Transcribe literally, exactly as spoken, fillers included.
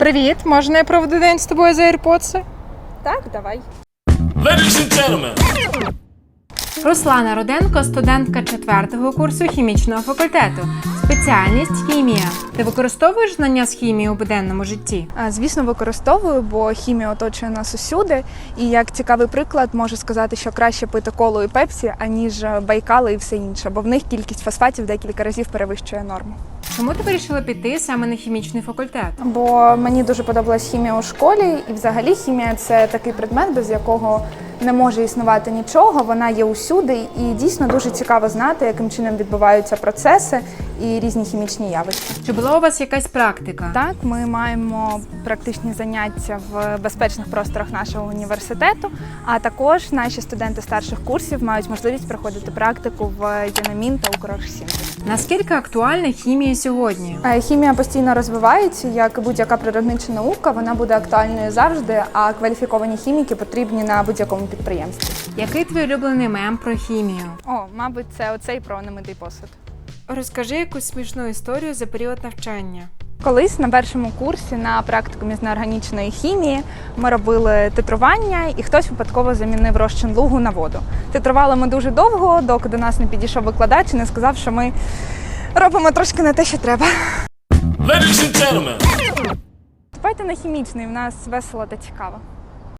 Привіт, можна я проведу день з тобою за AirPods? Так, давай. Ladies and gentlemen. Руслана Руденко – студентка четвертого курсу хімічного факультету. Спеціальність – хімія. Ти використовуєш знання з хімії у буденному житті? Звісно, використовую, бо хімія оточує нас усюди. І як цікавий приклад, можу сказати, що краще пити колу і пепсі, аніж байкали і все інше, бо в них кількість фосфатів декілька разів перевищує норму. Чому ти вирішила піти саме на хімічний факультет? Бо мені дуже подобалась хімія у школі, і взагалі хімія – це такий предмет, без якого не може існувати нічого, вона є усюди, і дійсно дуже цікаво знати, яким чином відбуваються процеси і різні хімічні явища. Чи була у вас якась практика? Так, ми маємо практичні заняття в безпечних просторах нашого університету, а також наші студенти старших курсів мають можливість проходити практику в ЮНАМІН та Укрсінтез. Наскільки актуальна хімія сьогодні? Хімія постійно розвивається, як будь-яка природнича наука, вона буде актуальною завжди, а кваліфіковані хіміки потрібні на будь-якому підприємстві. Який твій улюблений мем про хімію? О, мабуть, це оцей про немитий посуд. Розкажи якусь смішну історію за період навчання. Колись на першому курсі на практикумі з неорганічної хімії ми робили титрування, і хтось випадково замінив розчин лугу на воду. Титрували ми дуже довго, доки до нас не підійшов викладач і не сказав, що ми робимо трошки не те, що треба. Ladies and gentlemen. Давайте на хімічний, в нас весело та цікаво.